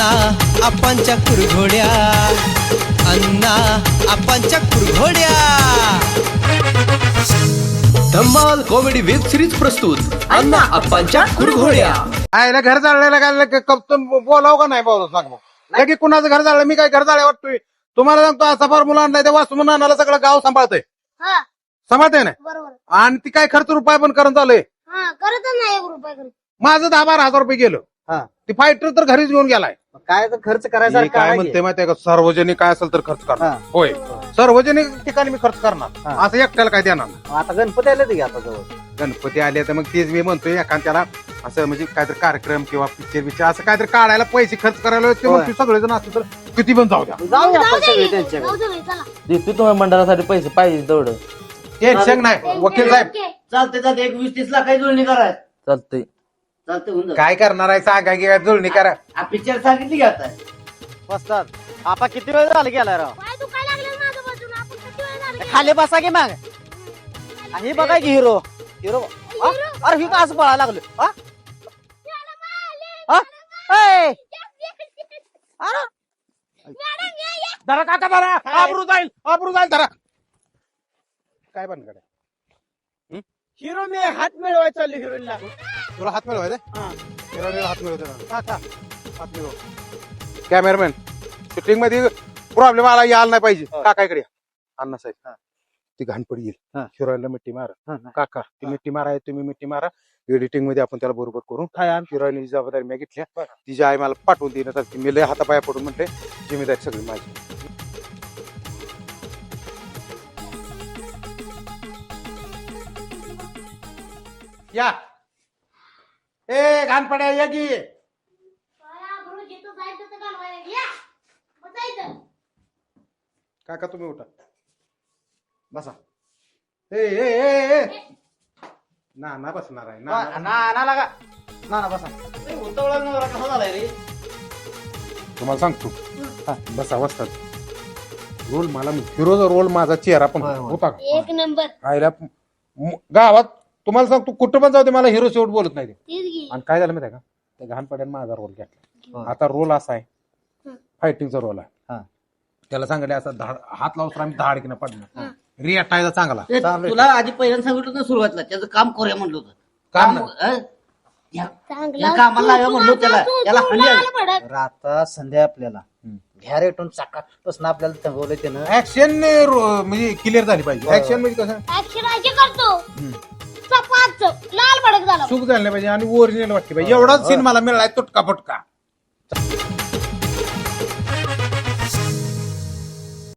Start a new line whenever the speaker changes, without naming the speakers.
अण्णा आपांच्या कुरघोड्या, अण्णा आपांच्या कुरघोड्या. धम्माल कॉमेडी वेब सिरीज प्रस्तुत अण्णा आपांच्या कुरघोड्या.
आयला घर जाळलेला काय बोलाव का नाही बोलाव सांग मग की कुणाचं घर जाळलं. मी काय घर जाळ्या वाटतोय तुम्हाला सांगतो. असा फॉर्म्युला आणलाय तेव्हा वाचून आणायला सगळं गाव सांभाळतंय. सांभाळतंय ना. आणि ती काय खर्च रुपये पण करत आलोय.
करत नाही 1 रुपया करत.
माझं 10-12 हजार रुपये गेलं. ती फायटर तर घरीच घेऊन गेलाय.
काय तर खर्च करायचा
मी काय म्हणते माहितीये का, सार्वजनिक काय असेल तर खर्च करणार. होय, सार्वजनिक ठिकाणी मी खर्च करणार. असं एकट्याला काय देणार नाही.
आता गणपती आले ते आता जवळ.
गणपती आले तर मग तेच मी म्हणतोय एखाद्याला असं म्हणजे काहीतरी कार्यक्रम किंवा पिक्चर असं काहीतरी काढायला पैसे खर्च करायला सगळेजण असतं तर किती पण जाऊ द्या.
जाऊया आपण सगळे त्यांच्याकडे.
जाऊ दे, चला.
देतो तुम्हाला मंडळासाठी पैसे पाहिजे तेवढं.
टेन्शन नाही वकील साहेब.
चालते 20-30 लाखाची जुळणी करायचं.
चालतंय.
चालते होऊन जातं.
काय करणार आहे सांगा की जुळणी करा.
पिक्चर सांगितली की आता बसतात. आपा किती वेळ झाला गेला राव.
पाय दुखायला लागले माझं बाजूला. आपण किती वेळ झाला गेलो?
खाली बसा की मग. ही बघा की हिरो हिरो. अरे ही का असं पळायला लागलो.
धरा काका धरा. आबरू जाईल धरा. काय बन कडे
हिरो मी हात मिळवायचा चालली हिरोला.
तुला हात मिळवायचा. हात मिळवतो हात मिळव. कॅमेरामॅन शूटिंग मध्ये प्रॉब्लेम आला यायला नाही पाहिजे. काकाकडे अण्णा साहेब ती घाणपडी येईल. हिरोईनला मिट्टी मारा. काका ती मिट्टी मारा. तुम्ही मिट्टी मारा. एडिटिंग मध्ये आपण त्याला बरोबर करू. हिरोईनची जबाबदारी मी घेतल्या. तिची आई मला पाठवून देण्यात आली. मी लय हातापाया पडून म्हटले जिम्मेदारी सगळी माझी. या ए घाणपड्या या की. काका तुम्ही उठा बसा. ए ना बसणार आहे ना
बसा. कसा झालाय रे.
तुम्हाला सांगतो. बसा बसतात. रोल मला हिरोचा रोल माझा चेहरा पण होता का.
1 नंबर.
आयला गावात तुम्हाला सांगतो कुठं पण जाऊ दे मला हिरो शेवट बोलत नाही ते.
तीच घे.
आणि काय झालं माहिती आहे का, त्या घाणपड्याने माझा रोल घेतला. आता रोल असा आहे फायटिंगचा रोल आहे. त्याला सांगितलं असं हात लावतो आम्ही धाडकीनं पडणार. रिअटायचा चांगला.
तुला आधी पहिल्यांदा सांगितलं ना सुरुवातीला त्याचं काम करूया म्हणलं होतं.
काम
चांगला
कामाला लावा म्हणलो त्याला. त्याला हल्ली आली.
भडक.
राता संध्या आपल्याला घ्या रेटून चाकापासून आपल्याला तंगवलं त्यानं.
ऍक्शन म्हणजे क्लिअर झाली पाहिजे. ऍक्शन म्हणजे कसं
ऍक्शन अशी करतो. चपाच लाल भडक झाला.
चूक झाली नाही पाहिजे आणि ओरिजिनल वाटली पाहिजे. एवढाच सीन मला मिळालाय तुटका फटका.